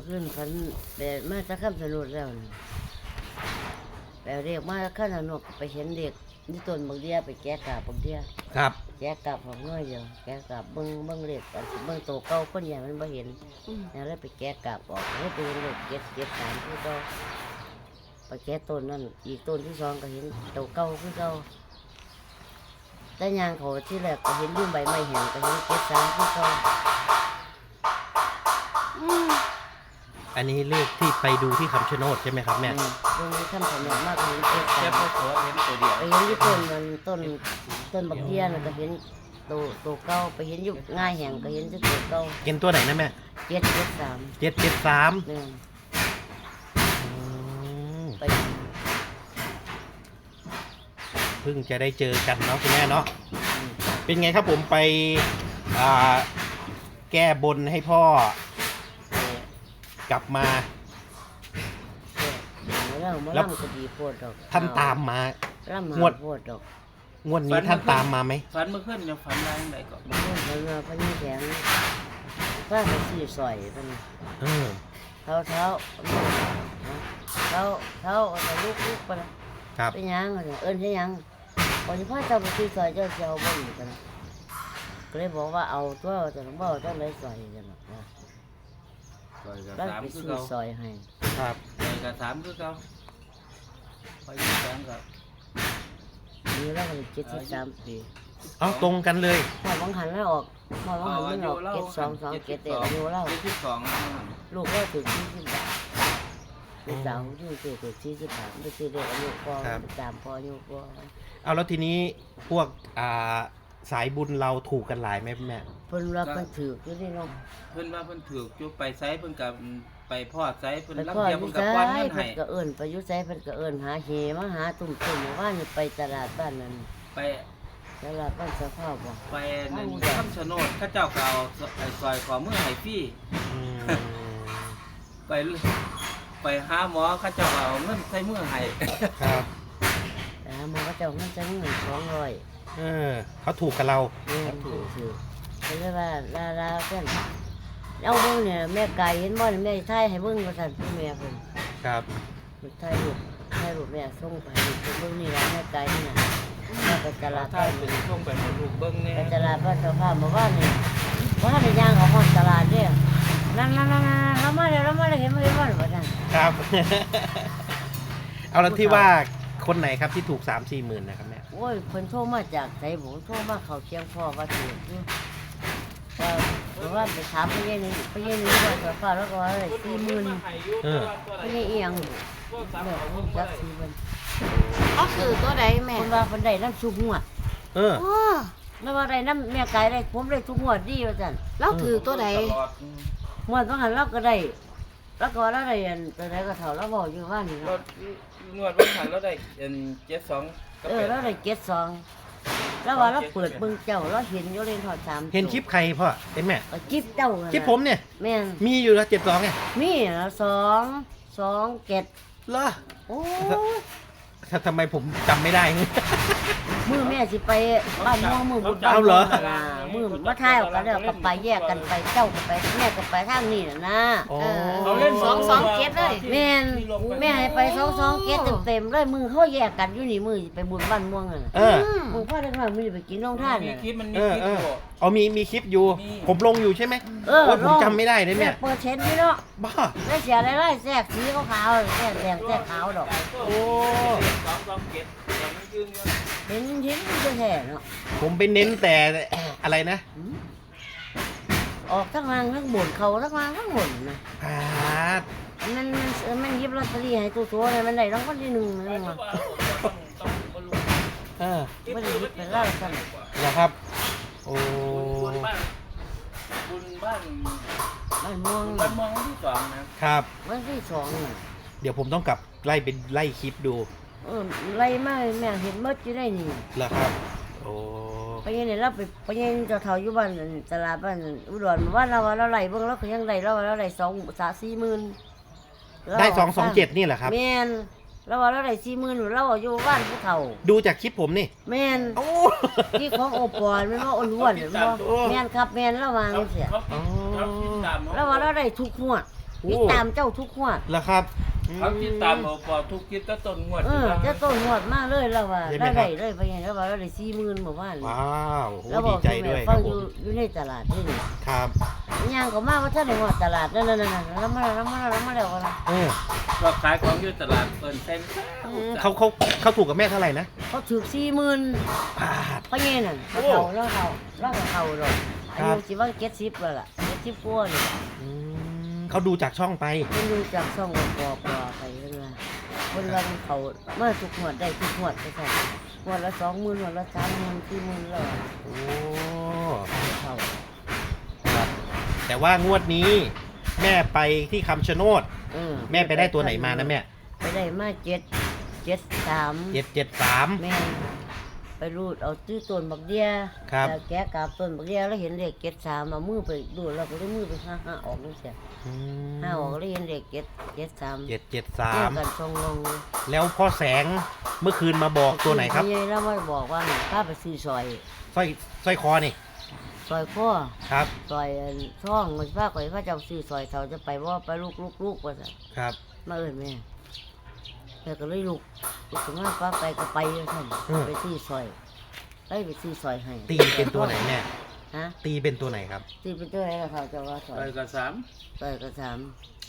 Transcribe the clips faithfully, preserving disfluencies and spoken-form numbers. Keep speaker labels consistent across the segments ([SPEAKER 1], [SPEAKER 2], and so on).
[SPEAKER 1] ขึ้นฝันแบบมาจะข้ามสนุดแล้วนะแปลเรียกมาข้ามสนุดไปเห็นเด็กนี่ต้นบางเดียไปแกะกาบบางเดีย
[SPEAKER 2] ครับ
[SPEAKER 1] แกะกาบของน้อยเดียวแกะกาบเบิ้งเบิ้งเล็กอันสิเบิ้งโตเก่าคนใหญ่มันไม่เห็นแล้วเลยไปแกะกาบออกแล้วไปเห็นเด็กเก็บเก็บสามที่เก่าไปแกะต้นนั่นอีกต้นที่สองก็เห็นโตเก่าที่เก่าแต่ยางเขาที่แรกก็เห็นยื่นใบไม้แห้งก็เห็นเก็บสามที่เก่า
[SPEAKER 2] อันนี้เลขที่ไปดูที่คำชะโนดใช่ไหมครับแม่
[SPEAKER 1] ตรงนี้ท่านสนุกมากเห็นเก็บ
[SPEAKER 3] แค่
[SPEAKER 1] สาม
[SPEAKER 3] พอขอเห็นตัวเดียว
[SPEAKER 1] ไปเห็นที่ต้นมันต้นต้นบักเทียนก็เห็นโตโตเก่าไปเห็นอยู่ง่ายแห่งก็เห็นที่โตเก่า
[SPEAKER 2] เห็นตัวไหนนะแม่
[SPEAKER 1] เจ็ดเจ็ดสาม
[SPEAKER 2] เจ็ดเจ็ดสาม
[SPEAKER 1] เนี่ยไป
[SPEAKER 2] เพิ่งจะได้เจอกันเนาะคุณแม่เนาะเป็นไงครับผมไปอ่าแก้บนให้พ่อกลับมา
[SPEAKER 1] แล้วมาล่ำก็ดีโพดดอก
[SPEAKER 2] ท่านตามมา
[SPEAKER 1] ล่ำ
[SPEAKER 2] งวด
[SPEAKER 1] โพดดอก
[SPEAKER 2] งวดนี้ท่านตามมาไหม
[SPEAKER 3] ฝันเมื่อคืนยังฝันอะไรไหนก่อน
[SPEAKER 1] มันเพิ่นมาพญแข็งว่าไปซื้อซอยเป็น
[SPEAKER 2] เออ
[SPEAKER 1] เท้าเท้าเท้าเท้าเอาลูกลูกไปละ
[SPEAKER 2] ครับ
[SPEAKER 1] ไปยังเอิ้นให้ยังพอที่พ่อเจ้าไปซื้อซอยเจ้าเจ้าบ่อยู่กันก็เลยบอกว่าเอาตัวจะต้องบ่ต้องได้ซอยกันหรอกนะ
[SPEAKER 3] ซอยกับ
[SPEAKER 1] แล้ว
[SPEAKER 3] สาม
[SPEAKER 1] ไป
[SPEAKER 3] คือ
[SPEAKER 1] ซื้อ
[SPEAKER 3] เก่า
[SPEAKER 1] ซอยให้
[SPEAKER 2] ครับ
[SPEAKER 3] ซอยกับสามคือเก่าไปยี่สามกับ
[SPEAKER 1] มีแล้วก็เจ็ดสิบสามปี
[SPEAKER 2] เอาตรงกันเลย
[SPEAKER 1] พอบังหันแล้วออกพอบังหันมันออกเก็ดสองสองเก็ดเด็กอายุเล่า
[SPEAKER 3] เจ็ดสิบสอง
[SPEAKER 1] ลูกก็ถึงสี่สิบบาทลูกสาวที่เกิดถึงสี่สิบบาทไม่ใช่เด็กอายุพอตามพออายุพอ
[SPEAKER 2] เอาแล้วทีนี้พวกอ่าสายบุญเราถูกกันหลายไหมแม่
[SPEAKER 1] เพิ่นรับเพิ่นถืออยู่นี่เนาะ
[SPEAKER 3] เพิ่นว่าเพิ่นถือจุไปไซเพิ่นกับไปพอดไซเพิ่น
[SPEAKER 1] ไป
[SPEAKER 3] รับ
[SPEAKER 1] พ่อ
[SPEAKER 3] เทีย
[SPEAKER 1] อ
[SPEAKER 3] เพิ่
[SPEAKER 1] ยุ่
[SPEAKER 3] น
[SPEAKER 1] ไส
[SPEAKER 3] กับป้อนเงิน
[SPEAKER 1] เพิ่
[SPEAKER 3] ให้
[SPEAKER 1] นก็เอิ้นไปอยุ่ไสเพิ่นก็เอิ้นหาเฮมาหาตุ่มตุ่มว่านี่ไปตลาดบ้านนั้น
[SPEAKER 3] ไป
[SPEAKER 1] ตลาดบ้านสะพาวบ่
[SPEAKER 3] ไปนั่นคำชะโนดข้าเจ้าก็เอาไอ้ซอยขอมือให้พี่
[SPEAKER 2] อืม
[SPEAKER 3] ไปไปหาหมอข้าเจ้าก็เอาเงินใส่มือให้
[SPEAKER 2] ครับ
[SPEAKER 1] แต่หามาก็เจ้ามันจะเงินสองร้อย
[SPEAKER 2] เออเขาถูกกับเรา
[SPEAKER 1] แม่ถูกถือเพิ่นเลยว่าลาลาเพิ่นเอาเบิ่งเนี่ยแม่ไก่เห็นบ่นี่แม่ถ่ายให้เบิ่งว่าซั่นพี่แม่เพิ่น
[SPEAKER 2] ครับ
[SPEAKER 1] ถ่ายรูปถ่ายรูปแม่ส่งไปให้เพิ่นเบิ่งนี่ล่ะแม่ไก่นี่น่ะแม่ไปตลาด
[SPEAKER 3] ถ้า
[SPEAKER 1] บ้าน
[SPEAKER 3] เป็นช่วงไปให้ลูกเบิ่งแน่
[SPEAKER 1] ไปตลาดบ้านสะพาวมาว่านี่ว่าได้ย่างเขาฮอดตลาดเด้อนั่นๆๆๆเรามาแล้วเรามาแล้วเห็นบ่เห็นบ่ว่าซั่น
[SPEAKER 2] ครับ เอาแล้วที่ว่าคนไหนครับที่ถูกสามสี่หมื่นนะครับแม่
[SPEAKER 1] โอ้ยเพิ่นโทรมาจากไสบ่โทรมาเข้าเชียงพ่อว่าถูกอยู่ก็เพราะว่าไปถามไปเย็นนี่ไปเย็นนี่ว่าสะพาวแล้วก็ว่าได้สี่หมื่น
[SPEAKER 2] เออ
[SPEAKER 1] ไปเย็นอีหยังแม่รู้จักสี่หมื่น
[SPEAKER 4] ก็คือตัวใดแม่
[SPEAKER 1] เพิ่นว่าเพิ่นได้น้ำซุปหัวด
[SPEAKER 2] เออ
[SPEAKER 4] อ๋อ
[SPEAKER 1] แล้วว่าได้น้ำแม่ไก่ได้ผมได้ทุกหัวดดีว่าซั่น
[SPEAKER 4] แล้วถือตัวใด
[SPEAKER 3] ตลอด
[SPEAKER 1] หัวดบางหันเราก็ได้แล้วก็ว่าเราได้อันตัวใดก็เท่าเราบอกอยู่ว่านี่
[SPEAKER 3] ร
[SPEAKER 1] เนาะ
[SPEAKER 3] ถนวดวันขันเราได้เอ็นเจ็ดสอง
[SPEAKER 1] เออเราได้เก็ดสองแล้วว่าเราเปิดเบิ่งเจ้าเราเห็นอยู่เล่นทอดสาม
[SPEAKER 2] เห็นคลิปใครพ่อเห็นแม่
[SPEAKER 1] ก็คลิปเจ้านั่น
[SPEAKER 2] คลิป
[SPEAKER 1] น่ะ
[SPEAKER 2] ผมเนี่ย
[SPEAKER 1] แม่น
[SPEAKER 2] มีอยู่แล้วเจ็ดสองไง
[SPEAKER 1] มีนะสองสองเก็ด
[SPEAKER 2] เหรอ
[SPEAKER 1] โอ้ย
[SPEAKER 2] ทำไมผมจำไม่ได้
[SPEAKER 1] มือแม่สิไปบ้านม่วงมือบุญบ้าน
[SPEAKER 2] เอาเหรอ
[SPEAKER 1] ม่วงน่ะมือมาท้ายออกกันแล้วก็ไปแยกกันไปเจ้าก็ไปแม่ก็ไปทางนี้น่ะนะ
[SPEAKER 2] อ๋อ
[SPEAKER 3] เขาเล่น
[SPEAKER 4] สองสองเจ็ดเลย
[SPEAKER 1] แม่นแม่ให้ไปสองสองเก็ดเต็มๆเลยมือเขาแยกกันอยู่นี่มือสิไปบุญบ้านม่วงน่ะ
[SPEAKER 2] เออ
[SPEAKER 1] มึงพ่อได้มามือสิไปกินน้องท่าน
[SPEAKER 3] มี
[SPEAKER 1] น่ะ
[SPEAKER 3] คลิปมันมี
[SPEAKER 2] เออ
[SPEAKER 3] คลิป
[SPEAKER 2] เอ
[SPEAKER 3] อ
[SPEAKER 2] อยู่ เอามีมีคลิปอยู่
[SPEAKER 3] มี
[SPEAKER 2] ผมลงอยู่ใช่ไหม
[SPEAKER 1] เออ
[SPEAKER 2] โอ้ยผมจำไม่ได้เลยแม่
[SPEAKER 1] เปิดเช็ดนี่เนาะ
[SPEAKER 2] บ้า
[SPEAKER 1] ได้เสียอะไรไล่แทรกสีขาวๆแทรกแดงแทรกขาวดอก
[SPEAKER 2] โอ้
[SPEAKER 3] สองสองเจ็ดยังไม่ยืนเงิน
[SPEAKER 1] เห็นเห็นมันจะแท้เนาะ
[SPEAKER 2] ผมไปเน้นแต่ อะไรนะ
[SPEAKER 1] อืมออกทั้งล่างทั้งบนเขาทั้งล่างทั้งบนนะ
[SPEAKER 2] อ่า
[SPEAKER 1] มันมันเออมันหยิบลอตเตอรี่ให้ตัวตัวเลยมันได้รางวัลที่หนึ่งนะมึงว่า
[SPEAKER 2] เออ
[SPEAKER 1] ไม่ได้หยิบไปเล่าสั่น
[SPEAKER 2] นะครับ โอ้
[SPEAKER 3] บุญบ้านบุญบ้าน
[SPEAKER 1] บ้านม่วง
[SPEAKER 3] บ้านเมืองวันที่สองนะครับ
[SPEAKER 1] วันที่สองน่ะ
[SPEAKER 2] เดี๋ยวผมต้องกลับไล่เป็นไล่คลิปดู
[SPEAKER 1] เออไล่มาแม่เห็นหมดอยู่ได้นี่
[SPEAKER 2] เหรอครับ โอ้
[SPEAKER 1] ไปยังเนี่ยเราไปไปยังเจ้าเฒ่าอยู่บ้านนั่นตลาดบ้านนั่นอุดรว่าเราว่าเราไล่เบิ่งเราก็ยังไล่เราว่าเราไล่สองสามสี่หมื่น
[SPEAKER 2] ได้สองสองเจ็ดนี่แหละครับ
[SPEAKER 1] แม่นเราว่าเราได้สี่หมื่นเราอยู่บ้านผู้เฒ่า
[SPEAKER 2] ดูจากคลิปผมนี่
[SPEAKER 1] แม่น
[SPEAKER 2] โอ้
[SPEAKER 1] ที่ของโอปอลแม่นว่าอ้วนๆแม่นบ่แม่นครับแม่นระวังเสีย
[SPEAKER 3] เขาเขาติดตาม
[SPEAKER 1] แล้วว่าเราได้ทุกหัวด
[SPEAKER 2] โอ้
[SPEAKER 1] ติดตามเจ้าทุกงวด
[SPEAKER 2] แล้วครับ
[SPEAKER 3] เขาติดตามเอาพอทุกคลิปก็ต้นงวด
[SPEAKER 1] เออเจ้าต้นงวดมาเลยแล้วว่า
[SPEAKER 2] ใช่ไหม
[SPEAKER 1] ได้
[SPEAKER 2] ครับ
[SPEAKER 1] ได้เลยไปยังแล้วว่าเราได้สี่หมื่นหมู่บ้าน
[SPEAKER 2] ว้าวโอ้
[SPEAKER 1] แล้วบ
[SPEAKER 2] ดี
[SPEAKER 1] อก
[SPEAKER 2] ใจ
[SPEAKER 1] คุณ
[SPEAKER 2] ด้
[SPEAKER 1] แม่
[SPEAKER 2] วยค
[SPEAKER 1] ฟั
[SPEAKER 2] รั
[SPEAKER 1] ง
[SPEAKER 2] บ
[SPEAKER 1] อ
[SPEAKER 2] ผ
[SPEAKER 1] ยู่
[SPEAKER 2] ม
[SPEAKER 1] อยู่ในตลาดนี่นี่
[SPEAKER 2] ครับ
[SPEAKER 1] ย่างก็มาว่าท่านในงวดตลาดนั่นนั่นนั่นแล้วมาแล้วมาแล้วมาแล้วกัน
[SPEAKER 2] เออ
[SPEAKER 3] ก็ขายของอยู่ตลาดเปิดเต็ม
[SPEAKER 2] เขาเขาเขาถูกกับแม่เท่าไหร่นะ
[SPEAKER 1] เขาถือสี่หมื่น
[SPEAKER 2] บาท
[SPEAKER 1] เพราะงี้นั่น
[SPEAKER 2] โอ้
[SPEAKER 1] เขาแล้วเขาแล้วเขาหรอก
[SPEAKER 2] ครั
[SPEAKER 1] อา
[SPEAKER 2] บ
[SPEAKER 1] ยุสิว่าเจ็ดสิบแล้วล่ะเจ็ดสิบกว่านี่
[SPEAKER 2] อืมเขาดูจากช่องไป
[SPEAKER 1] มันดูจากช่องกอปอไปเรื่อยคนเราเขาเมื่อทุกหวดได้ทุกหวดก็ใช่หวดละสองหมื่นหวดละสามหมื่นสี่หมื่นแล้ว
[SPEAKER 2] โอ้
[SPEAKER 1] เขา
[SPEAKER 2] ครับ แต่ว่างวดนี้ แม่ไปที่คำชะโนด
[SPEAKER 1] เออ
[SPEAKER 2] แม่ไปได้ตัวไหนมานะแม่
[SPEAKER 1] ไปได้มาเจ็ดเจ็ดสาม
[SPEAKER 2] เจ็ดเจ็ดสาม
[SPEAKER 1] แม่ไปรูดเอาตื้อต้นบักเดีย
[SPEAKER 2] ครับ
[SPEAKER 1] แล้วแกะกาบต้นบักเดียแล้วเห็นเลขเจ็ดสามเอามือไปดูดแล้วก็ได้มือไปห้าห้าออกนี่เสียห้าออกแล้วเห็นเลขเจ็ดเจ็ดสาม
[SPEAKER 2] เจ็ดเจ็ดสา
[SPEAKER 1] เที่ย
[SPEAKER 2] ม
[SPEAKER 1] วกันชงลง
[SPEAKER 2] แล้วพ่อแสงเมื่อคืนมาบอกตัวไหนครับ
[SPEAKER 1] ยายแล้วไม่บอกว่าข้าไปซื้อซอย
[SPEAKER 2] สร้อยสร้อยคอนี่
[SPEAKER 1] ซอยข้อ
[SPEAKER 2] ครับ
[SPEAKER 1] ซอยช่องมันพาข่อยพระเจ้าซื้อซอยเขาจะไปว่าไปลูกลูกลูกว่าสั่น
[SPEAKER 2] ครับ
[SPEAKER 1] มาเอิ้นแม่แม่ก็เลยลูกลูกขึ้นมาป้าไปก็ไปท่านไปซื้อซอยไปไปซื้อซอยให้
[SPEAKER 2] ตีเป็นตัวไหนแม่
[SPEAKER 1] ฮะ
[SPEAKER 2] ตีเป็นตัวไหนครับ
[SPEAKER 1] ซื้อเป็นตัวไหนล่ะเขาจะว่าซอย
[SPEAKER 3] ไปกับสาม
[SPEAKER 1] ซอยก็สาม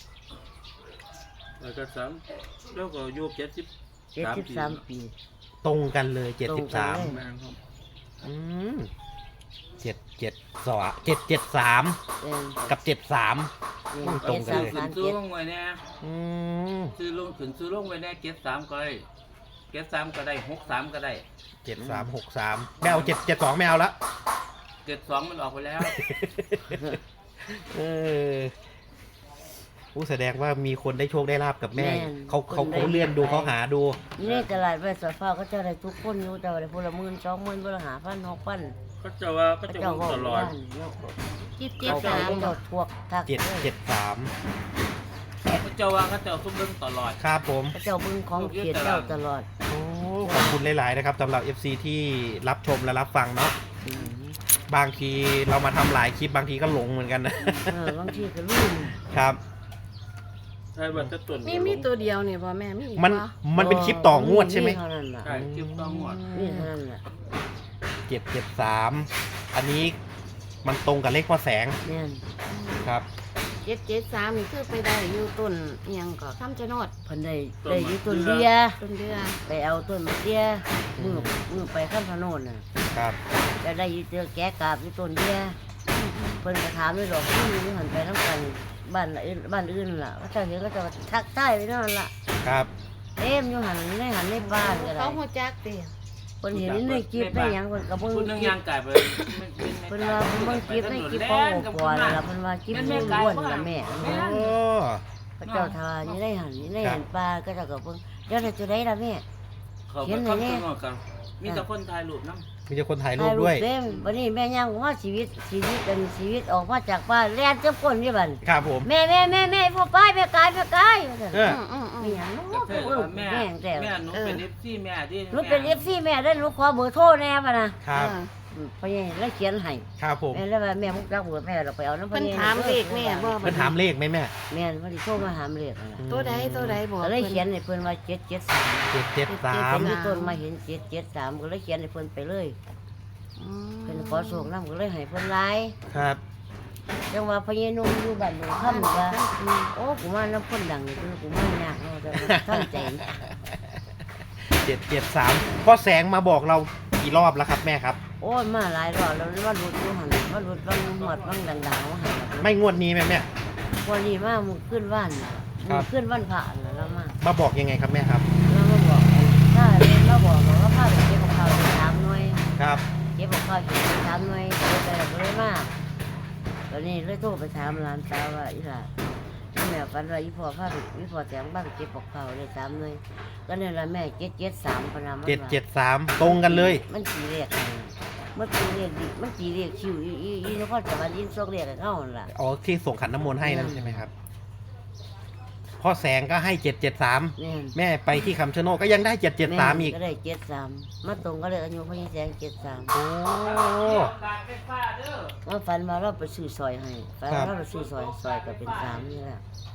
[SPEAKER 3] ไปกับสามแล้วก็อายุเจ็ดสิบ
[SPEAKER 1] เจ็ดสิบสามปี
[SPEAKER 2] ตรงกันเลยเจ็ดสิบสาม
[SPEAKER 1] ตรงกันเลย
[SPEAKER 3] แม่ครับ
[SPEAKER 2] อืมเจ็ดเจ็ดสองเจ็ดเจ็ดสาม
[SPEAKER 1] เออ
[SPEAKER 2] กับเจ็ดสาม
[SPEAKER 1] เออ
[SPEAKER 2] ตรงกันเลย
[SPEAKER 1] จ็ดสาม
[SPEAKER 3] ซื้อ
[SPEAKER 1] สามเจ็ด
[SPEAKER 3] ลงไว้เนี่ย
[SPEAKER 2] อืม
[SPEAKER 3] ซื้อลงขึ้นซื้อลงไว้เนี่ยเจ็ดสามก็ได้เจ็ดสามก็ได้หกสามก็ได้
[SPEAKER 2] เจ็ดสามหกสามไม่เอาเจ็ดเจ็ดสองไม่เอาละ
[SPEAKER 3] เจ็ดสองมันออกไปแล้ว
[SPEAKER 2] เออผู้แสดงว่ามีคนได้โชคได้ลาบกับแม่
[SPEAKER 1] แม่น
[SPEAKER 2] เขาเขา
[SPEAKER 1] คนได้
[SPEAKER 2] เขาเลื่อนดูเขาหาดู
[SPEAKER 1] นี่ในตลาดไปสอยฟ้าก็เจะได้ทุกคนอยู่แต่ว่าได้พลหมื่นสองหมื่นพลหาพันหกพัน
[SPEAKER 3] ก็จะว่าก็
[SPEAKER 1] พระ
[SPEAKER 3] จะ
[SPEAKER 1] เจ้า
[SPEAKER 3] ว่า
[SPEAKER 1] บอก
[SPEAKER 3] ตลอด
[SPEAKER 1] ว่าเนาะ
[SPEAKER 4] เจ็ดเจ็ด
[SPEAKER 1] เขา
[SPEAKER 4] สาม
[SPEAKER 1] เจ้าทวกทัก
[SPEAKER 2] เจ็ด
[SPEAKER 1] เลย
[SPEAKER 2] เจ็ดสาม
[SPEAKER 3] ก็จะว่าก็จะทุบเรื่องตลอด
[SPEAKER 2] ครับผม
[SPEAKER 1] พระเจ้าบึงของเขียดเจ้าตลอด
[SPEAKER 2] โอ้ขอบคุณหลาย ๆ นะครับสำหรับ เอฟ ซี ที่รับชมและรับฟังเนาะ
[SPEAKER 1] อืม
[SPEAKER 2] บางทีเรามาทำหลายคลิปบางทีก็หลงเหมือนกันนะ
[SPEAKER 1] เออบางทีก็ลืม
[SPEAKER 2] ครับ
[SPEAKER 3] ใช่บัตรจะตรวจ
[SPEAKER 4] มีมีตัวเดียวเนี่ยบ่แม่มีอีก
[SPEAKER 2] มัน
[SPEAKER 4] บ่
[SPEAKER 2] มันเป็นคลิปต่องวดใช่ไหม
[SPEAKER 1] เท่านั้นล่ะ
[SPEAKER 3] ใช่คลิปต้องหมด
[SPEAKER 1] นี่เท่านั้นล่ะ
[SPEAKER 2] เจ็ดเจ็ดสามอันนี้มันตรงกับเลขพ่อแสง
[SPEAKER 1] เนี่ย
[SPEAKER 2] ครับ
[SPEAKER 4] เจ็ดเจ็ดสามนี่คือไปได้อยู่ต้นอิหยังก็คำชะโนด
[SPEAKER 1] เพันได้ได้อยี่ต้นเดีย
[SPEAKER 4] ต้นเดือ
[SPEAKER 1] ไปเอาต้นมะเดียมือมือไปข้ามถนนน่ะ
[SPEAKER 2] ครับ
[SPEAKER 1] จะได้อยี่เจอแกะกาบอยี่ต้นเดียเพิ่นก็ถามด้วยดอกที่นี่หันไปน้ำกันบ้านอื่นบ้านอื่นล่ะว่าเจ้าเห็นก็จะทักทายไปนั่นล่ะ
[SPEAKER 2] ครับ
[SPEAKER 1] เต็มอยู่หันในหันในบ้านก็ได้
[SPEAKER 4] เขาหัวจักติ
[SPEAKER 1] เพิ่นเห็นในคลิปในหยังเพิ่นก็เบิ่ง
[SPEAKER 3] พูดเรื่อง
[SPEAKER 1] คลิ
[SPEAKER 3] ยา
[SPEAKER 1] ป
[SPEAKER 3] งไก่ไป
[SPEAKER 1] เพิ่นว่าเพิ่นเบิ่งคลิปในคลิปของโอปอนั่นล่ะเพิ่นว่าคลิปนี้ล้วนล่ะแม่
[SPEAKER 2] โอ้
[SPEAKER 1] พระเจ้าทานี่ได้หันนี่ได้หันปลาก็เจะก็เบิ่งเดี๋ยวเราจะได้ล่ะแม่
[SPEAKER 3] เขาไปเข้าตัวงอกกันมีแต่คนถ่ายรูปน้ำ
[SPEAKER 2] มีแต่คนถ่ายรูปด้วย
[SPEAKER 1] เต็มวันนี้แม่ย่างว่าชีวิตชีวิตเป็นชีวิตออกมาจากบ้านแล่นเจ้าคนนี่บัด
[SPEAKER 2] ครับผม
[SPEAKER 1] แม่แม่แม่แม่พ่อป้ายแม่กายแม่กายว่าซั่น
[SPEAKER 2] เออ
[SPEAKER 4] อืมอืมอื
[SPEAKER 1] มี
[SPEAKER 4] ม
[SPEAKER 1] หยังเนาะ
[SPEAKER 3] ก็เธอ
[SPEAKER 1] เออ
[SPEAKER 3] แม่
[SPEAKER 1] แม่งแต่
[SPEAKER 3] แม่หนูเป็นเอฟซีแม่ดิ
[SPEAKER 1] หนูเป็น เอฟ ซี แม่ได้หนูขอเบอร์โทรแน่ป่ะนะครับ อืมพ่อใหญ่แล้วเขียนให้
[SPEAKER 2] ครับผม
[SPEAKER 1] แม่แล้วว่าแม่มุกรักเบอร์แม่เราไปเอาน้ำพ่อ
[SPEAKER 4] เพิ่น
[SPEAKER 1] ใหญ่
[SPEAKER 4] ถามเลขแม่บ่
[SPEAKER 2] เพิ่นถามเลขไหมแม่
[SPEAKER 1] แม่นว่าสิโทรมาถามเลขนั่นล่ะ
[SPEAKER 4] ตัวใดตัวใดบอก
[SPEAKER 1] ก็เลย
[SPEAKER 4] พิ่
[SPEAKER 1] เขียนให้เพิ่นว่าเจ็ดเจ็ดสาม
[SPEAKER 2] เจ็ดเจ็ดสา
[SPEAKER 1] เพิ่
[SPEAKER 2] ม
[SPEAKER 1] นมีต้นมาเห็นเจ็ดเจ็ดสามก็เลยเขียนให้เพิ่นไปเลย
[SPEAKER 4] อืม
[SPEAKER 1] เพิ่นขอส่งน้ำก็เลยให้เพิ่นไลน์
[SPEAKER 2] ครับ
[SPEAKER 1] จังว่าพญานุ่มอยู่บ้านหนูค่ำว่าโอ้กูมาน้ำพ่นดังนี่คือกูมายากเนาะแต่ว่าตั้งใจ
[SPEAKER 2] เจ็ดเจ็ดสามพ่อแสงมาบอกเรากี่รอบแล้วครับแม่ครับ
[SPEAKER 1] โอ้ยมาหลายรอบแล้วว่าหลุดอยู่หันว่าหลุดบางหมวดบางดังๆว่าหัน
[SPEAKER 2] ไม่งวดนี้แม่แม่
[SPEAKER 1] วันนี้มามึงขึ้นว่านน่ะ
[SPEAKER 2] ครั
[SPEAKER 1] มึ
[SPEAKER 2] บ
[SPEAKER 1] งขึ้นวันผ่านแล้วมา
[SPEAKER 2] มาบอกยังไงครับแม่ครับ
[SPEAKER 1] แล้วมาบอกถ้าเรียนมาบอกบอกว่าพาไปเก็บของเขาไปสามหน่วย
[SPEAKER 2] ครับ
[SPEAKER 1] เก็บของเขาไปสามหน่วยเลยแต่ก็เลยมาตอนนี้เลยโทรไปถามร้านสาวว่าอีหล่ะที่แม่ฝันว่าอีพ่อพาไปอีพ่อแจงบ้านไปเก็บของเขาเลยสามหน่วยก็เนี่ยละแม่เจ็ดเจ็ดสามพนาม
[SPEAKER 2] เจ็ดเจ็ดสามตรงกันเลย
[SPEAKER 1] มันสีเรียกมันสีเรียกดิมันสีเรียกชิวอีอีอีนครสวรรค์ยินโชคเรียกกับเขาหั่นล่ะ
[SPEAKER 2] อ๋อที่ส่งขันน้ำมนต์ให้นั่นใช่ไหมครับพ่อแสงก็ให้เจ็ดเจ็ดสาม
[SPEAKER 1] เนี่ย
[SPEAKER 2] แม่ไปที่คำชะโนดก็ยังได้เจ็ดเจ็ดสามอีก
[SPEAKER 1] ก็ได้เจ็ดสามมาตรงก็เลยอายุพญแสงเจ็ดสาม
[SPEAKER 2] โอ้
[SPEAKER 3] การไฟฟ้าเด้อ
[SPEAKER 1] มาฝันมาเราไปซื้อซอยให้ฝัน
[SPEAKER 2] ครับ
[SPEAKER 1] เราไปซื้อซอยซอยก็เป็นสามนี่แหละ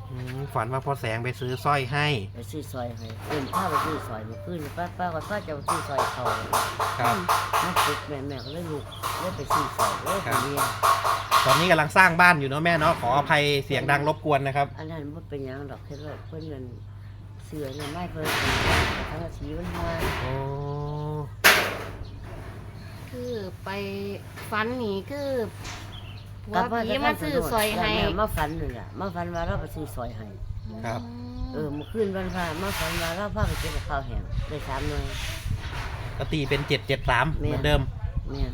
[SPEAKER 2] อืมฝันว่าพ่อแสงไปซื้อสร้อยให้
[SPEAKER 1] ไปซื้อซอยให้เอิ้นพาไปซื้อซอยเมื่อคืนป้าป้าว่าป้าจะเอาซื้อซอยเขา
[SPEAKER 2] ครับ
[SPEAKER 1] มันปลุกแม่แม่ก็เลยลุกเลยไปซื้อซอยเลยไปเรียน
[SPEAKER 2] ตอนนี้กำลังสร้างบ้านอยู่เนาะแม่เนาะขออภัยเสียงดังรบกวนนะครับ
[SPEAKER 1] อันนั้นบ่เป็นหยังดอกเฮ็ดว่าเพิ่นเงินเสือเงินไม้เพิ่นทั้งสีมันมา
[SPEAKER 2] โอ้
[SPEAKER 4] คือไปฝันนี่คือว่าผีมาซื้อซอยให้
[SPEAKER 1] มาฝันนี่ล่ะมาฝันว่าเราไปซื้อซอยให้
[SPEAKER 2] ครับ
[SPEAKER 1] เออเมื่อคืนวันพระมาฝันว่าเราพาไปเก็บข้าวแห้งได้สามหน่วย
[SPEAKER 2] ก็ตีเป็นเจ็ดเจ็ดสามเหมือนเดิม
[SPEAKER 1] แม่น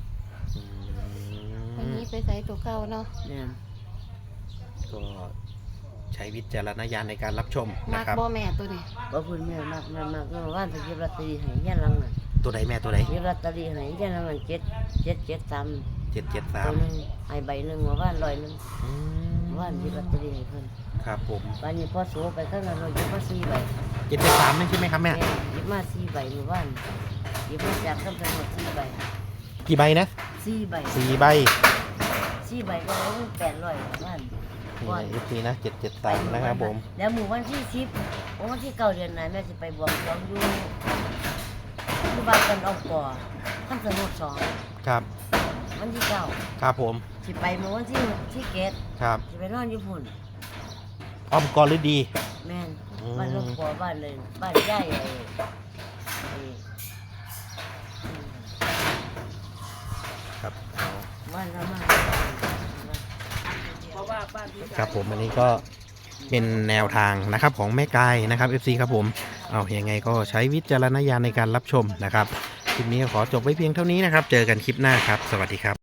[SPEAKER 4] วันนี้ไปใส่ตัวเก่าเนาะ
[SPEAKER 1] แม่น
[SPEAKER 2] ก็ใช้วิจารณญาณในการรับชม
[SPEAKER 4] มั
[SPEAKER 2] นะ
[SPEAKER 4] ก
[SPEAKER 2] ครับ
[SPEAKER 4] บ่แม่ตัวนี้
[SPEAKER 1] บ่พูดแม่มากแม่มากเมื่อวานไปเก็บลอตเตอรี่ให้ย่านหลังน่ะ
[SPEAKER 2] ตัวใดแม่ตัวใด
[SPEAKER 1] เก็บลอตเตอรี่ให้ย่านหลังนั่นเจ็ดเจ็ดเจ็ดสาม
[SPEAKER 2] เจ็ดเจ็ดสา
[SPEAKER 1] ตั
[SPEAKER 2] ม
[SPEAKER 1] วหนึงให้ใบหนึงเมื่อวานร้อยหนึงเมื่อวานเก็บลอตเตอรี่ให้เพิ่น
[SPEAKER 2] ครับผม
[SPEAKER 1] วันนี้พอโสไปข้างนั้นเราหยิบมาสี่ใบ
[SPEAKER 2] เจ็ดเจ็ดสามนี่ใช่ไหมครับแม่
[SPEAKER 1] แม่หยิบมาสี่ใบเมื่อวานหยิบมาจากทั้งหมดสี่ใบ
[SPEAKER 2] กี่ใบนะ
[SPEAKER 1] สี่ใบ
[SPEAKER 2] สี่ใบ
[SPEAKER 1] สี่ใบก็ได้แปดร้อยเมื่อวาน
[SPEAKER 2] นี่ในยุคนี้นะเจ็ดเจ็ดสามนะครับผม
[SPEAKER 1] แล้วหมู่วันที่สิบวันที่เก้าเดือนไหนแม่จะไปบวงสรวงอยู่ที่บ้านกันเอาก่อท่านสนุกสอง
[SPEAKER 2] ครับ
[SPEAKER 1] วันที่เก้า
[SPEAKER 2] ครับผม
[SPEAKER 1] สิไปเมื่อวันที่ที่เกต
[SPEAKER 2] ครับ
[SPEAKER 1] สิไปนอนญี่ปุ่น
[SPEAKER 2] อ้อมกอฤดี
[SPEAKER 1] แม่น
[SPEAKER 2] อืม
[SPEAKER 1] บ้านลูกก่อบ้านเลยบ้านย่ายไอ้ไอ้
[SPEAKER 2] ครับ
[SPEAKER 1] บ้านละมา
[SPEAKER 3] เพราะว่าบ้านที่
[SPEAKER 2] ครับผมอันนี้ก็เป็นแนวทางนะครับของแม่กายนะครับ เอฟ ซี ครับผมเอายังไงก็ใช้วิจารณญาณในการรับชมนะครับคลิปนี้ก็ขอจบไว้เพียงเท่านี้นะครับ เจอกันคลิปหน้าครับ สวัสดีครับ